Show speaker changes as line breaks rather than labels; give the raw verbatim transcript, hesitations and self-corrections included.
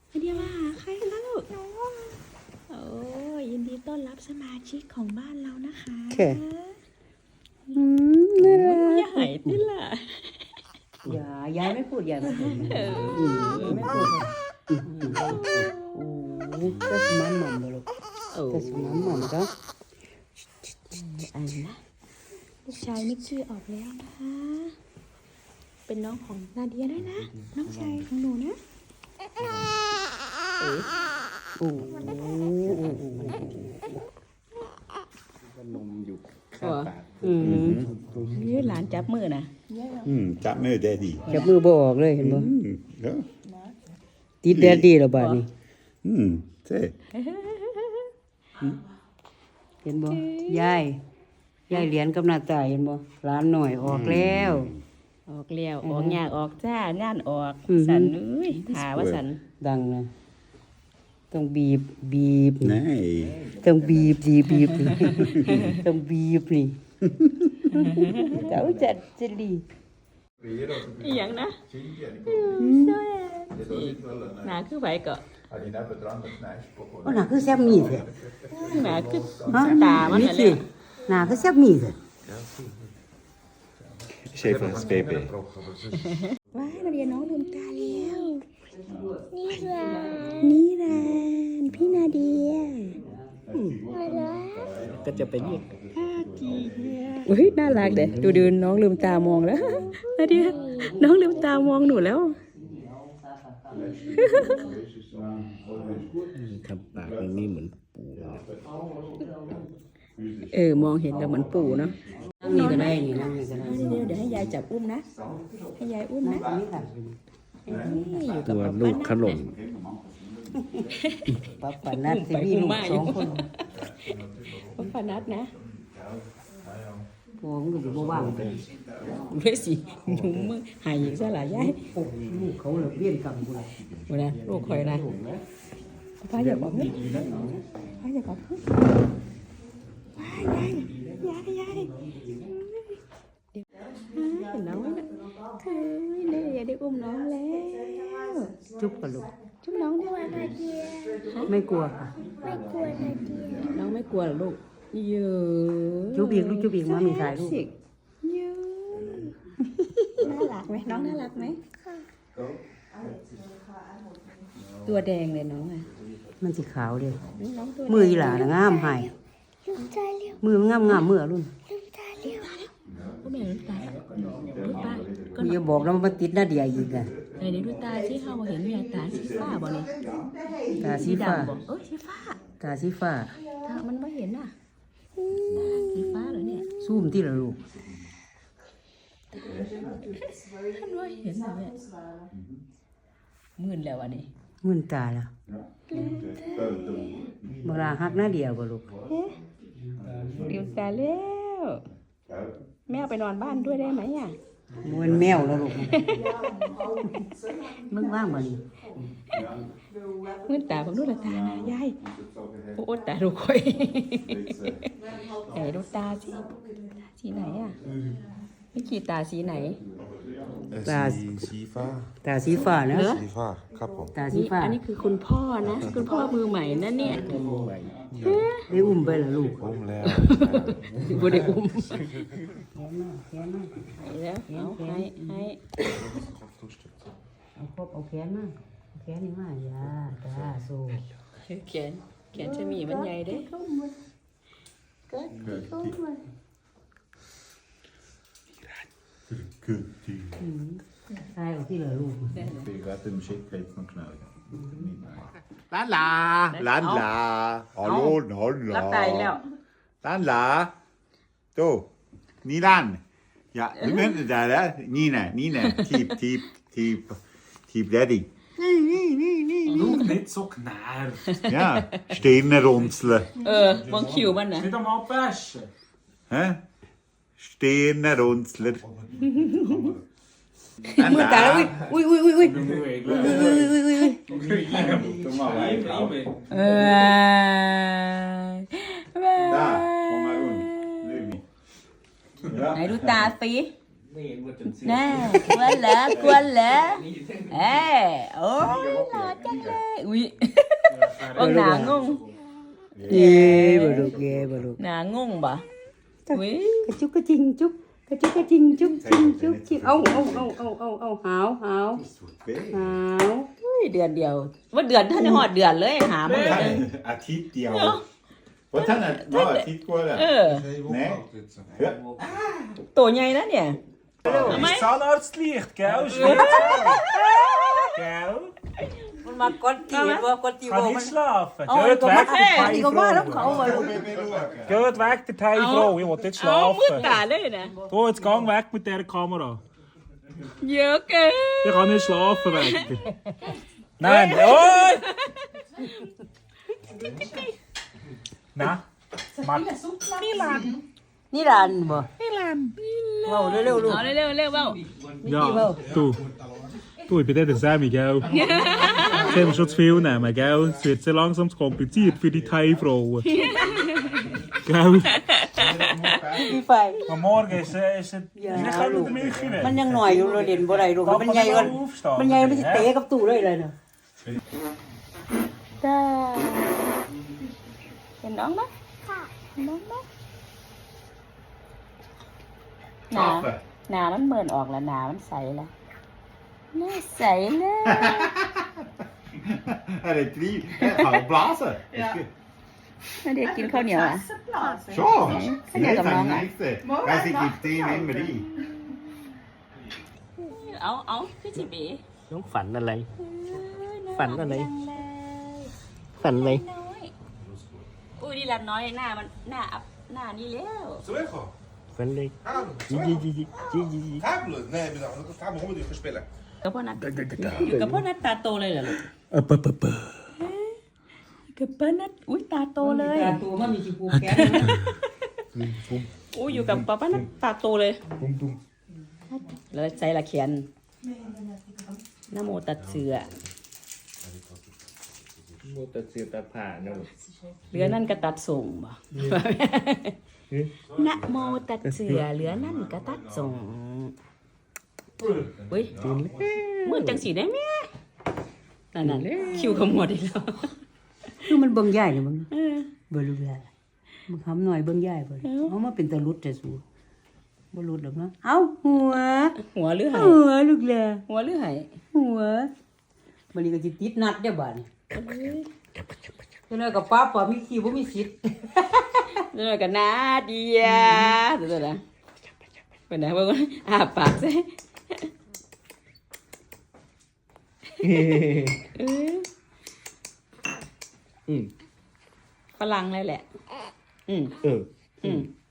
นาเดียมาหาใครคะลูกโอ้ยยินดีต้อนรับสมาชิกของบ้านเรานะคะอืมน่ารักอย่าหายนี่ล่ะ
อย่ายายไม่พูดยายไม่พูดไม่พูดโอ้ก็สมันหม่อมบ่ลูกก็สมันหม่อมก็
อันนะลูกชายมิกชื่อออกแล้วนะคะเป็นน้องของนาเดียด้วยนะน้องชายของหนูนะ
โอ้โอ้
นมอยู่ข้างปาก
อืม
นี่หลานจับมือนะ
อืมจับมือแดดดี้
จับมือบ่ออกเลยเห็นบ่
เด้อ
ติดแดดดี้แล้วบาดนี้
อืมใช่
เห็นบ่ยายยายเหรียญกับหน้าตาเห็นบ่หลานหน่อยออกแล้ว
ออกแล้วออกยากออกจ้างานออกสันเอ้ยถาว่าสัน
ดังนะต้องบีบบีบ
นี่
ต้องบีบดีบีบต้องบีบนี่เจ้าจัดจะดี
อีหยังนะหนาคือไผก็
โอ้หนาคือแซ่บมีดเลย
หนาคือตามันน่ะแหละ
หนาคือแซ่บมีดเลย
เชฟสเปเป้
ว้ายนาเดียน้องลืมตาแล้วนี่แหละนี่แหละพี่นาเดีย
ก็จะเป็นอีก
อุ้ยน่ารักเด้ดูดูน้องลืมตามองแล้วนาเดียน้องลืมตามองหนูแล้ว
ทำปากนี่เหมือนปู
เออมองเห็นแล้วเหมือนปู่เนาะ
นั่งนี่ก็ได้นี่นั่งนี่ก็ได้
เดี๋ยวเดี๋ยวให้ยายจับอุ้มนะให้ยายอุ้มนะ
ตัวลูกขนม
ป้าปานัดที่มีลูกสองคน
ป้าปานัดนะ
พวงก็อยู่ว่างไป
เว้ยสิหนุ่มมือหายอีกซะหลายยาย
ลูกเขาเลยเบี้ยนกำกูเลย
วันนั้นลูกคอยนะป้าอย่าบอกเฮ้ยป้าอย่าบอกเฮ้ยยายยายยายเห็นน้องไหมเฮ้ยเนี่ยอย่าได้อุ้มน้องแล้ว
จุ๊บกับลูก
จุ๊บน้องได้ไหม
ไม่กลัวค่ะ
ไม่กลัวนาเดียน้องไม่กลัวหรอลูกเยอะ
จุ๊บอีกลูกจุ๊บอีกมามีถ่ายลูก
เยอะน่ารักไหมน้องน่ารักไหมตัวแดงเลยน้องอ่ะ
มันสีขาวเลยมืออีหล่านะงามหายมือมันงามงามมือรุ่น
ก็แม่ดูตาดูตา
ก็อย่าบอกนะมันติดหน้าเดียอีกอ่ะ
ไหนเดี๋ยวดูตาที่เขาเห็นมีตาสีฟ้าบ่เนี่ย
ตาสีฟ้า
เอ้ยสีฟ้า
ตาสีฟ้า
ตามันไม่เห็นอ่ะสีฟ้าเหรอเนี่ย
ซูมที่ละลูก
ท่านว่าเห็นเหรอเนี่ยมื่นแล้วอันนี้
มื่นตาแล้วเวลาหักหน้าเดียวบ่ลูก
ลืมตาแล้วแม่ไปนอนบ้านด้วยได้ไหมอ่ะ
มันแมวแล้วลูกมึงว่างบ่นี่
มื่นตาของดูละตานะยายโอ้ตาดูค่อยไหนดูตาสิสีไหนอ่ะไม่กี่ตาสีไหน
ตา
สีฟ้า
ตาสีฟ้านะ
สีฟ้าครับผม
ตาสีฟ้า
อันนี้คือคุณพ่อนะคุณพ่อมือใหม่นะเนี่ย
ได้อุ้มไปแล้วลูก
อุ้มแล้ว
บ่ได้อุ้มแล้วเอาให้ให้
เอาครบเอาแขนมาแขนนี่มาอย่าตาสู้
แขนแขนจะมีมันใหญ่เด้
Good team.
ใช่ที่เหลือลูก
Ik laat hem shake kijken van knallen. La la, la la. Hallo, hallo.
รับตายแล้ว
La la. Zo, niet aan. Ja, je bent het daar, hè? Nina, Nina. Typ, typ, typ, typ daddy. Nee, nee, nee, nee.
Doe niet zo knaar.
Ja, stenen ronselen.
เออมองคิวมันนะ
Niet allemaal persen.
Hè? Stenen ronselen.
มือตาแล้วอุ้ยอุ้ยอุ้ยอุ้ย
Doe ik. Doe maar wij.
เออ
Daar, kom maar doen. Lumi.
ไหนดูตาสิแน่กวนเหรอกวนเหรอเอ้โอ้ยหล่อจังเลยอุ้ยบางหนางง
เย่บ่ลูกเย่บ่ลูก
หนางงบ่อุ้ย
กระจุกกระจิงจุกกระจุกกระจิงจุกจิงจุกจิงเอาเอาเอาเอาเอาเอาหาวหาวหาว
อุ้ยเดือนเดียวว่าเดือนท่านได้หอดเดือนเลยหามาเลย
อาทิตย์เดียวว่าท่านอ่ะว่าอาทิตย์กว่าแล้ว
เออ
Nee. Ja.
ตัวใหญ่นะเนี่ย
Ist Zahnarztlicht, gell? Schläft Gell?
มันมากดตีบ่กดตีบ่
Kann
มัน
nicht schlafen.
เอา
Geht
ก็มา
weg, der
ตีก็มาแล้วเขา
Thai-Frau.
บ่ลูก
Geht weg, der Thai-Frau. Ich will jetzt
เอามืด
schlafen.
ตาเลยนะ
Du, jetzt gang weg mit dieser Kamera.
เยอะเกิน
Ich kann nicht schlafen weg. Nein, oi! Nein. Mark.
นี่ร้านบ่นี่ร้านเว้าเร็วๆลูก
เอาเร็วๆเร็วเบ้า
Ja, du. Du, ich bin der Sammy, gell? Jetzt haben wir schon zu viel nehmen, gell? Es wird sehr langsam zu kompliziert für die Thai-Frauen. Gell?
พี่ไฟ
Am Morgen ist, äh, ist, ist
Ja,
nicht kann
du.
der Milch
มัน
rein.
ยังหน่อยอยู่เราเด่นบ่ได้ลูกมันใหญ่ก่อนมันใหญ่มันสิเตะกับตู้เลยเลยเนาะ
จ้าเห็นน้องไหมค่ะน้องไหมหนา
Schaffen.
หนามันเมินออกแล้วหนามันใสแล้วหน้าใสเลย
Hij heeft drie. Hij gaat blazen. Ja.
ไม่ได้กินข้าวเหนียวอ่ะ
Zo.
Kan jij
Nee,
dat
dat
nou, hè?
is het. Wij zijn die tien in Marie.
เอาเอาพี่จิบี
น้องฝันอะไร ฝันอะไร ฝันอะไร
อุ้ยนี่ละน้อยหน้ามันหน้าอับหน้านี่แล้ว
Zurückkommen.
ฝันเลย
Hallo,
จีจีจีจีจีจีจี
Kabelen? Nee, we dachten, dat gaan we gewoon niet verspillen.
กับพ่อนัดอยู่กับพ่อนัดตาโตเลยเหรอลูก
เออเปะเปะเปะ
กับพ่อนัดอุ้ยตาโตเลย
ตาตัวมันมีสิผูกแขน
อุ้ยอยู่กับป้านัดตาโตเลยแล้วใจละเขียนนะโมตัดเสือ
โมตัดเสียตัดผ่าเนาะ
เหลือนั่นก็ตัดส่งบ่นะโมตัดเสือเหลือนั่นก็ตัดส่งเฮ้ยมือจังสีได้ไหมนั่นน่ะคิวขมวดอีกแล้ว
คือมันเบิ่งใหญ่เลยมึง
เออ
บ่รู้แล้วมึงทำหน่อยเบิ่งใหญ่บ่เอามาเป็นตะลุดแต่สูบ่ลุดดอกเนาะเอ้าหัว
หัวหรือไห
หัวลูกแล
หัวหรือไห
หัวบัดนี้ก็สิติดนัดเด้อบัดนี้จังได๋ก็ป้าป้ามีขี้บ่มีสิทธิ์
เดี๋ยวกันนะเดียเดี๋ยวนะเป็นไงบ้างอาปากใส่ฝรั่งเลยแหละ อืม
เออ
อืม